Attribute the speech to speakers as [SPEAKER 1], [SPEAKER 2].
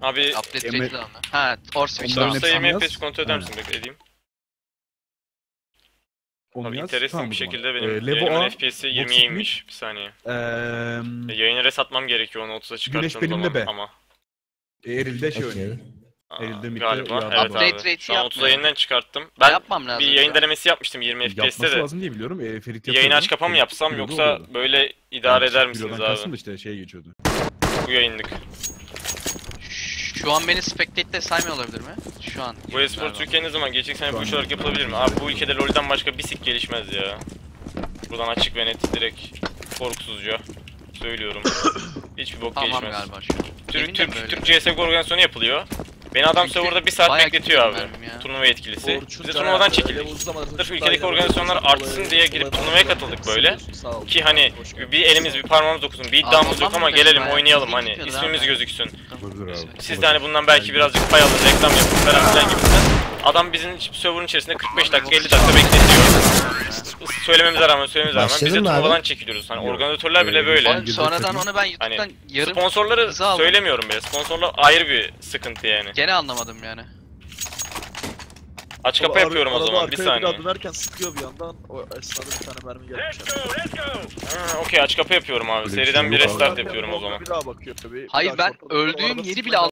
[SPEAKER 1] Abi
[SPEAKER 2] Update rate'i de alma. Ha, or switch'den
[SPEAKER 3] Onların
[SPEAKER 2] alma.
[SPEAKER 3] hepsi-
[SPEAKER 1] sayımı
[SPEAKER 3] yaz.
[SPEAKER 1] FPS kontrol eder
[SPEAKER 3] Aynen.
[SPEAKER 1] misin? Bekle edeyim.
[SPEAKER 3] Onu
[SPEAKER 1] Abi
[SPEAKER 3] yaz.
[SPEAKER 1] enteresan
[SPEAKER 3] Tamam
[SPEAKER 1] bir
[SPEAKER 3] o zaman.
[SPEAKER 1] şekilde benim
[SPEAKER 3] Levo
[SPEAKER 1] yayınımın
[SPEAKER 3] A,
[SPEAKER 1] FPS'i
[SPEAKER 3] Vox
[SPEAKER 1] 20'ye inmiş. Bir saniye. Yayını resetmam gerekiyor onu 30'a çıkarttığım
[SPEAKER 3] benimle
[SPEAKER 1] zaman
[SPEAKER 3] be.
[SPEAKER 1] ama.
[SPEAKER 3] Eril'de şey
[SPEAKER 4] Okey.
[SPEAKER 3] oynuyor. Eril'de midde
[SPEAKER 1] Galiba
[SPEAKER 3] uyardı
[SPEAKER 1] evet
[SPEAKER 2] Update
[SPEAKER 1] abi.
[SPEAKER 2] rate'i
[SPEAKER 1] Şu an 30'a
[SPEAKER 2] yapmıyor.
[SPEAKER 1] yeniden çıkarttım. Ben
[SPEAKER 2] Yapmam lazım
[SPEAKER 1] bir
[SPEAKER 2] şu
[SPEAKER 1] yayın
[SPEAKER 2] an.
[SPEAKER 1] denemesi yapmıştım 20 FPS'te
[SPEAKER 3] Yapması
[SPEAKER 1] de.
[SPEAKER 3] lazım diye biliyorum. Ferit yapıyordu.
[SPEAKER 1] Yayını aç kapa mı yapsam
[SPEAKER 3] Ferit
[SPEAKER 1] yoksa
[SPEAKER 3] oluyordu.
[SPEAKER 1] böyle idare eder
[SPEAKER 3] Yani
[SPEAKER 1] misiniz
[SPEAKER 3] Euro'dan kastım
[SPEAKER 1] abi?
[SPEAKER 3] da işte şeye geçiyordu.
[SPEAKER 1] Bu yayınlık.
[SPEAKER 2] Şu an beni spectate'de saymıyor olabilir mi? Şu an.
[SPEAKER 1] Bu espor
[SPEAKER 2] Galiba.
[SPEAKER 1] Türkiye ne zaman gelecek? Sen
[SPEAKER 3] Şu
[SPEAKER 1] bu
[SPEAKER 3] an
[SPEAKER 1] iş olarak yapılabilir mi? Abi bu ülkede LoL'den başka bir sik gelişmez ya. Buradan açık ve net direkt korkusuzca söylüyorum. Hiçbir bok
[SPEAKER 2] Tamam
[SPEAKER 1] gelişmez.
[SPEAKER 2] galiba şu an. Emin de mi böyle?
[SPEAKER 1] Türk CSGO organizasyonu yapılıyor. Beni adam
[SPEAKER 2] Çünkü
[SPEAKER 1] serverda 1 saat
[SPEAKER 2] bayağı
[SPEAKER 1] bekletiyor abi.
[SPEAKER 2] gidiyorum ya.
[SPEAKER 1] Turnuva yetkilisi.
[SPEAKER 5] Orçun
[SPEAKER 1] Biz de
[SPEAKER 5] da
[SPEAKER 1] turnuvadan
[SPEAKER 5] yani
[SPEAKER 1] çekildik.
[SPEAKER 5] level uzamadığı
[SPEAKER 1] Sırf
[SPEAKER 5] için
[SPEAKER 1] ülkedeki
[SPEAKER 5] daha
[SPEAKER 1] organizasyonlar
[SPEAKER 5] yani
[SPEAKER 1] artsın diye girip turnuvaya katıldık böyle. Ki hani bir elimiz bir parmağımız dokunsun. Bir iddiamız yok ama gelelim oynayalım hani ismimiz gözüksün.
[SPEAKER 3] Olabilir abi.
[SPEAKER 1] Siz de hani bundan belki birazcık pay alın, reklam yapın falan filan gibisinden. Adam bizim server'ın içerisinde 45 dakika 50 dakika bekletiyor. Söylememize rağmen biz de
[SPEAKER 4] Başladın mı abi?
[SPEAKER 1] turnuvadan çekiliyoruz. Hani
[SPEAKER 3] Yok.
[SPEAKER 1] organizatörler bile böyle.
[SPEAKER 2] Oğlum sonradan onu ben YouTube'dan
[SPEAKER 1] Hani
[SPEAKER 2] yarım
[SPEAKER 1] sponsorları
[SPEAKER 2] hızı aldım.
[SPEAKER 1] söylemiyorum bile. Sponsorlar ayrı bir sıkıntı yani.
[SPEAKER 2] Gene anlamadım yani.
[SPEAKER 1] Aç kapa yapıyorum o zaman bir
[SPEAKER 5] Bir
[SPEAKER 1] saniye.
[SPEAKER 5] daha dönerken sıkıyor bir yandan. O esnada bir tane mermi gelmiş.
[SPEAKER 1] Ha, okey aç kapa yapıyorum abi.
[SPEAKER 3] Öyle bir
[SPEAKER 1] Seriden
[SPEAKER 3] şey
[SPEAKER 1] bir
[SPEAKER 3] yok abi.
[SPEAKER 1] restart yapıyorum o zaman.
[SPEAKER 5] Bir daha bakıyor tabii.
[SPEAKER 2] Hayır ben öldüğüm yeri bile